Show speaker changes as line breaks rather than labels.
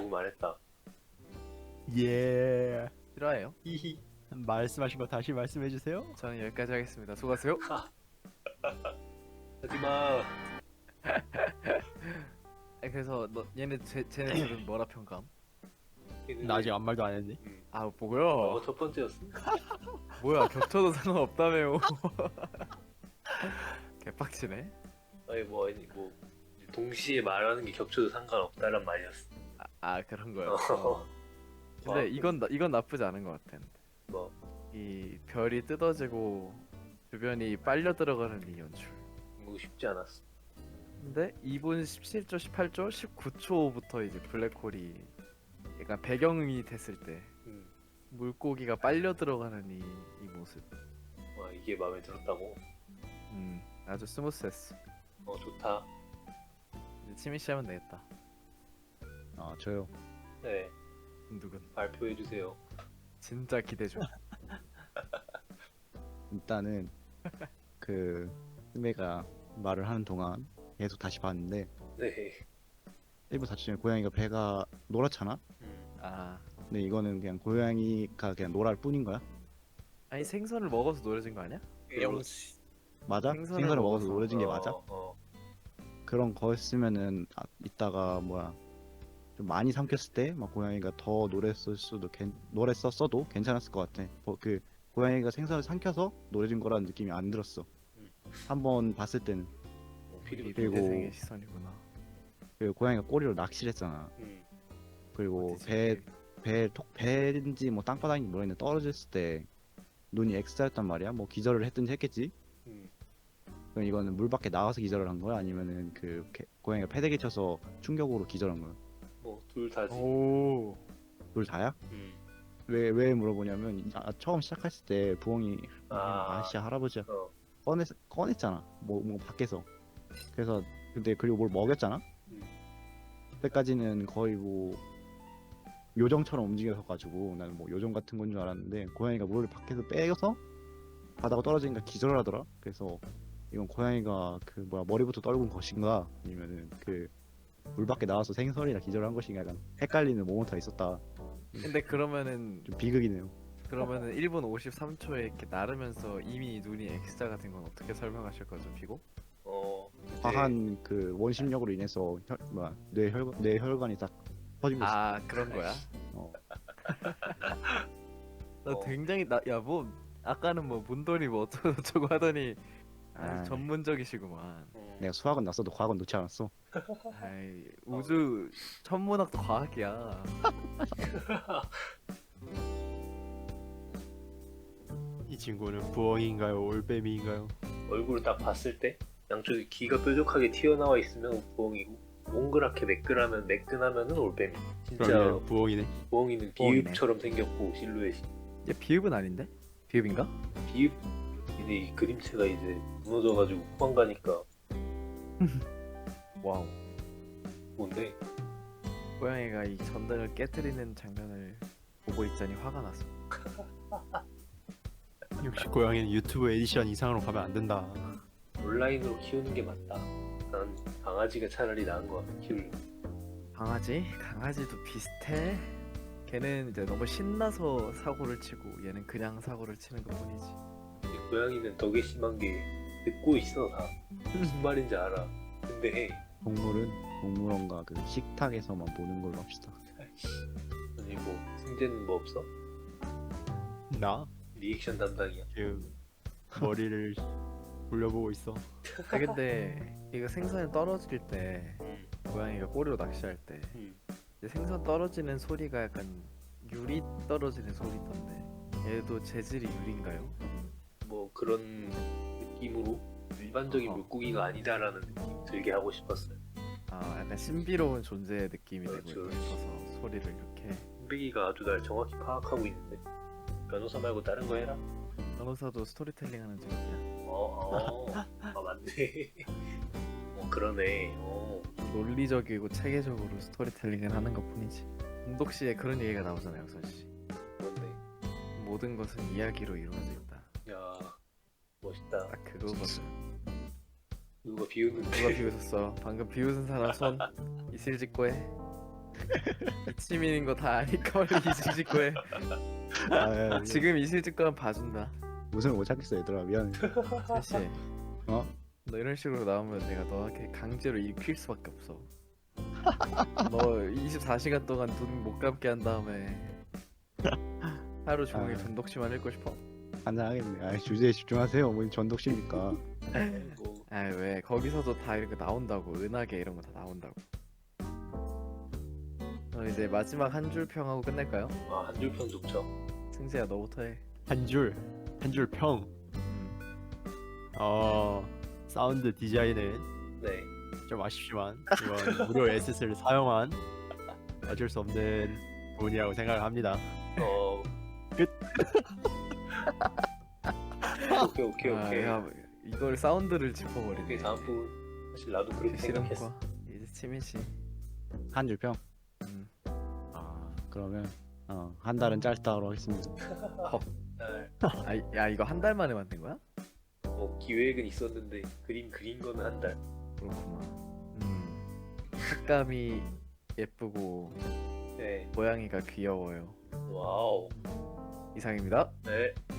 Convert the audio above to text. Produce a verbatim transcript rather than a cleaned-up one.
너무 말했다.
예.
싫어해요?
히히.
말씀하신 거 다시 말씀해 주세요.
저는 여기까지 하겠습니다. 수고하세요.
하지마.
아니, 그래서 너 얘네 쟤, 쟤네들은 뭐라 평감?
나 아직 아무 말도 안 했니?
음.
아
너가
뭐야?
첫 번째였어.
뭐야 겹쳐도 상관없다며요. 개빡치네.
아니 뭐 아니 뭐 동시에 말하는 게 겹쳐도 상관없다란 말이었어.
아, 아 그런 거요.
어.
근데
와,
이건 나, 이건 나쁘지 않은 것 같아.
뭐
이 별이 뜯어지고 주변이 빨려 들어가는 이 연출.
이거 쉽지 않았어.
근데 이 분 십칠 초, 십팔 초, 십구 초부터 이제 블랙홀이 약간 배경이 됐을 때
음.
물고기가 빨려 들어가는 이, 이 모습.
와 이게 마음에 들었다고.
음 아주 스무스했어.
어 좋다.
이제 치미 씨 하면 되겠다.
아 저요.
네
누군?
발표해 주세요.
진짜 기대 중.
일단은 그 스메가 말을 하는 동안 계속 다시 봤는데
네.
일 부 다쯤에 고양이가 배가 노랗잖아.
음.
아
근데 이거는 그냥 고양이가 그냥 노랄 뿐인 거야.
아니 생선을 먹어서 노래진 거 아니야?
영시.
맞아?
생선을
생선을 먹어서
먹어서.
노래진 게 맞아?
어, 어.
그런 거였으면은 아, 이따가 뭐야 좀 많이 삼켰을 때 막 고양이가 더 노랬을 수도 괜 노랬었어도 괜찮았을 것 같아. 뭐, 그 고양이가 생선을 삼켜서 노래진 거라는 느낌이 안 들었어.
음.
한번 봤을 때는.
어,
이
피리.
그리고-
미대생의 시선이구나.
그리고 고양이가 꼬리로 낚시를 했잖아.
음.
그리고
어디지?
배 배 톡 배인지 뭐 땅바닥인지 모르겠는데 떨어졌을 때 눈이 X였단 말이야. 뭐 기절을 했든지 했겠지.
음.
그럼 이거는 물 밖에 나와서 기절을 한 거야? 아니면은 그 개- 고양이가 패대기 쳐서 충격으로 기절한 거야?
뭐둘 다지.
오.
둘 다야?
음.
왜 왜 물어보냐면 이- 아, 처음 시작했을 때 부엉이
아.
아저씨 할아버지가
어.
꺼냈 꺼냈잖아. 뭐 뭐 밖에서. 그래서 근데 그리고 뭘 먹였잖아.
음.
그때까지는 거의 뭐 요정처럼 움직여서 가지고 나는 뭐 요정 같은 건 줄 알았는데 고양이가 물을 밖에서 빼서 바다가 떨어지니까 기절을 하더라. 그래서 이건 고양이가 그 뭐야 머리부터 떨군 것인가 아니면은 그 물 밖에 나와서 생선이라 기절한 것인가 약간 헷갈리는 모먼트가 있었다.
근데 그러면은
좀 비극이네요.
그러면은 일 분 오십삼 초에 이렇게 나르면서 이미 눈이 X자가 된 건 어떻게 설명하실 거죠, 피고?
어. 이제
과한 그 원심력으로 인해서 혈, 뭐야 뇌혈 뇌혈관이 딱 터진 거지.
아 그런 거야?
어.
나
어.
굉장히 나 야 뭐 아까는 뭐 문돌이 뭐 어쩌고 저쩌고 하더니 아주
아.
전문적이시구만.
음.
내가 수학은 났어도 과학은 놓지 않았어.
아이 우주 천문학도 과학이야.
이 친구는 부엉인가요? 올빼미인가요?
얼굴을 딱 봤을 때 양쪽에 귀가 뾰족하게 튀어나와 있으면 부엉이고 몽그랗게 매끈하면 매끈하면은 올빼미. 진짜
그러면 부엉이네.
부엉이는
부엉이네.
비읍처럼 생겼고 실루엣이.
얘 비읍은 아닌데? 비읍인가?
비읍 이제 이 그림체가 이제 무너져가지고 후방 가니까
와우.
뭔데?
고양이가 이 전등을 깨뜨리는 장면을 보고 있자니 화가 났어.
역시 고양이는 유튜브 에디션 이상으로 가면 안 된다.
온라인으로 키우는 게 맞다. 난 강아지가 차라리 나은 거 같아 키울.
강아지? 강아지도 비슷해. 걔는 이제 너무 신나서 사고를 치고 얘는 그냥 사고를 치는 것 뿐이지.
이 고양이는 덕에 심한 게 듣고 있어 다. 무슨 말인지 알아. 근데
동물은 동물원과 그 식탁에서만 보는 걸로 합시다.
아니 뭐 승재는 뭐 없어?
나
리액션 담당이야.
지금 머리를 굴려보고 있어.
아 근데 이거 생선이 떨어질 때
음.
고양이가 꼬리로 낚시할 때
음.
이제 생선 떨어지는 소리가 약간 유리 떨어지는 소리던데 얘도 재질이 유리인가요?
뭐 그런 느낌으로 일반적인
어허.
물고기가 아니다라는 느낌 들게 하고 싶었어요.
아 약간 신비로운 존재의 느낌이
그렇죠,
되고
그렇죠.
싶어서 소리를 이렇게.
흰배기가 아주 날 정확히 파악하고 있는데 변호사 말고 다른 거 해라.
변호사도 스토리텔링 하는 직업이야.
어, 어, 아 맞네. 어 그러네. 어,
논리적이고 체계적으로 스토리텔링을 하는 것 뿐이지. 공독시에 그런 얘기가 나오잖아요, 역선씨.
그런데
모든 것은 이야기로 이루어진다.
야 멋있다.
딱 그거거든.
누가 비웃는데?
누가 비웃었어? 방금 비웃은 사람 손 이슬 짓고 해. 이치민인 거 다 아니까 원래 이실 짓고 해.
아,
지금 이실 짓고 하면 봐준다.
웃음을 못 참겠어 얘들아 미안해.
셋이.
어?
너 이런 식으로 나오면 내가 너한테 강제로 일킬 수밖에 없어. 너 이십사 시간 동안 눈 못 감게 한 다음에 하루 종일
아.
전독치만 읽고 싶어?
한잔하겠네. 아 주제에 집중하세요. 뭐 전독십니까?
뭐
아이 왜 거기서도 다 이렇게 나온다고. 은하계 이런 거 다 나온다고. 어, 이제 마지막 한 줄 평하고 끝낼까요?
아, 한 줄 평 좋죠.
승재야 너부터 해.
한 줄, 한 줄 평.
음.
어, 사운드 디자인은
네.
좀 아쉽지만 이건 무료 에셋을 사용한 어쩔 수 없는 부분이라고 생각을 합니다.
어.
끝.
오케이 오케이
아,
오케이.
야, 이걸 사운드를
오케이
짚어버리네.
다음 부분. 사실 나도 그렇게 생각했어.
실험과 이제 치민 씨.
한 줄 평.
음.
아 그러면 어, 한 달은 짧다로 하겠습니다.
날,
아, 야 이거 한 달 만에 만든 거야?
뭐 기획은 있었는데 그림 그린 거는 한 달.
그렇구나. 음. 색감이 예쁘고
네.
모양이가 귀여워요.
와우.
이상입니다.
네.